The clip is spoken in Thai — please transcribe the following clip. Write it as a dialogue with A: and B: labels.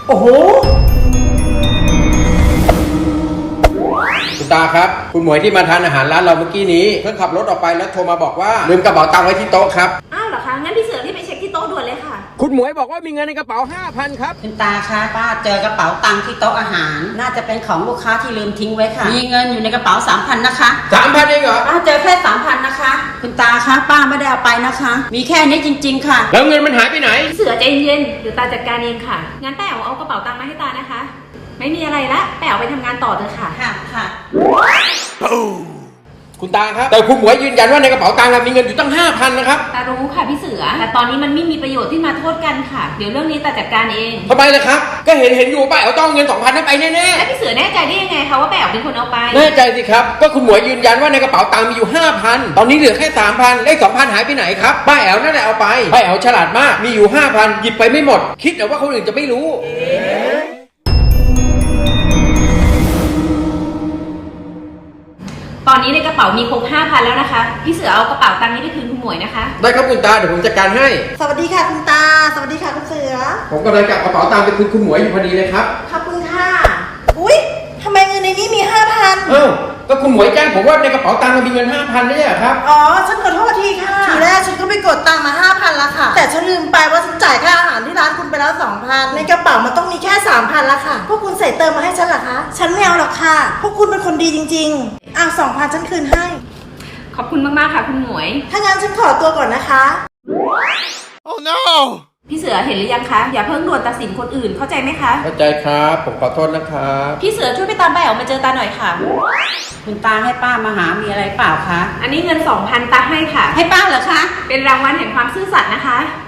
A: โอ้โหคุณตาครับคุณหมวยที่มาทานอาหารร้านเราเมื่อกี้นี้เพิ่งขับรถออกไปแล้วโทรมาบอกว่าลืมกระเป๋าตังค์ไว้ที่โต๊ะครับ
B: อ้าวเหรอคะงั้นพี่เสือรีบไปเช็คที่โต๊ะด่วนเลยค่ะ
A: คุณหมวยบอกว่ามีเงินในกระเป๋า 5,000 ครับ
C: คุณตาคะป้าเจอกระเป๋าตังค์ที่โต๊ะอาหารน่าจะเป็นของลูกค้าที่ลืมทิ้งไว้ค่ะมีเงินอยู่ในกระเป๋า 3,000 นะคะ
A: 3,000 เองเหรอ
C: ป้าเจอแค่ 3,000 นะคะคุณตาคะป้าไม่ได้เอาไปนะคะมีแค่นี้จริงๆค่ะ
A: แล้วเงินมันหายไปไหน
B: พี่เสือใจเย็นเดี๋ยวตาจัดการเองค่ะงั้นแป๋วเอากระเป๋าตังค์มาให้ตานะคะไม่มีอะไรละแป๋วไปทำงานต่อเถอะค่ะ
C: ค่ะ
A: คุณตาครับแต่คุณหมวยยืนยันว่าในกระเป๋าตังค์มีเงินอยู่ตั้ง 5,000 นะครับ
B: ตารู้ค่ะพี่เสือแต่ตอนนี้มันไม่มีประโยชน์ที่มาโทษกันค่ะเดี๋ยวเรื่องนี้ตาจัดการเอง
A: ทำไมล่ะครับก็เห็นอยู่ป้าเอาต้องเงิน 2,000 นั้นไปแน่ๆ
B: แล้วพี่เสือแน่ใจได้ยังไงคะว่าแป๋วเป็นคนเอาไป
A: แน่ใจสิครับก็คุณหมวยยืนยันว่าในกระเป๋าตังค์มีอยู่ 5,000 ตอนนี้เหลือแค่ 3,000 เลข 2,000 หายไปไหนครับป้าแอ๋วนั่นแหละเอาไปป้าแอ๋วฉลาดมากมีอยู่ 5,000 หยิบไปไม่หมดคิดแต่ว่าคนอื่นจะไม่รู้
B: ตอนนี้ในกระเป๋ามีครบ 5,000 แล้วนะคะพี่เสือเอากระเป๋าตังค์นี้ไปคืนคุณหมวยนะคะ
A: ได้ครับคุณตาเดี๋ยวผมจัดการให้
D: สวัสดีค่ะคุณตาสวัสดีค่ะคุณเสือ
A: ผมกำลังจับกระเป๋าตังค์ไปคืนคุณหมวยอยู่พอดีเลยครับ
D: ขอบคุณค่ะอุ๊ยทำไมเงินในนี้มี 5,000
A: ก็คุณหมวยแจ้งผมว่าในกระเป๋าตังค์มันมีเงิน 5,000ไม่ใช่เหรอครับ
D: อ๋อฉันขอโทษทีค่ะทีแรกฉันก็ไปกดตังค์มา 5,000แล้วค่ะแต่ฉันลืมไปว่าฉันจ่ายค่าอาหารที่ร้านคุณไปแล้ว 2,000ในกระเป๋ามันต้องมีแค่ 3,000แล้วค่ะพวกคุณใส่เติมมาให้ฉันเหรอคะฉันไม่เอาหรอกค่ะพวกคุณเป็นคนดีจริงๆ2,000ฉันคืนให้
B: ขอบคุณมากๆค่ะคุณหมวย
D: ถ้างั้นฉันขอตัวก่อนนะคะ
A: Oh no
B: พี่เสือเห็นหรือยังคะอย่าเพิ่งด่วนตัดสินคนอื่นเข้าใจไหมคะ
A: เข้าใจครับผมขอโทษนะครับ
B: พี่เสือช่วยไปตามแป๋วมาเจอตาหน่อยค่ะ
C: คุณตาให้ป้ามาหามีอะไรเปล่าคะ
B: อันนี้เงิน 2,000 ตาให้ค่ะ
C: ให้ป้าเหรอคะ
B: เป็นรางวัลแห่งความซื่อสัตย์นะคะ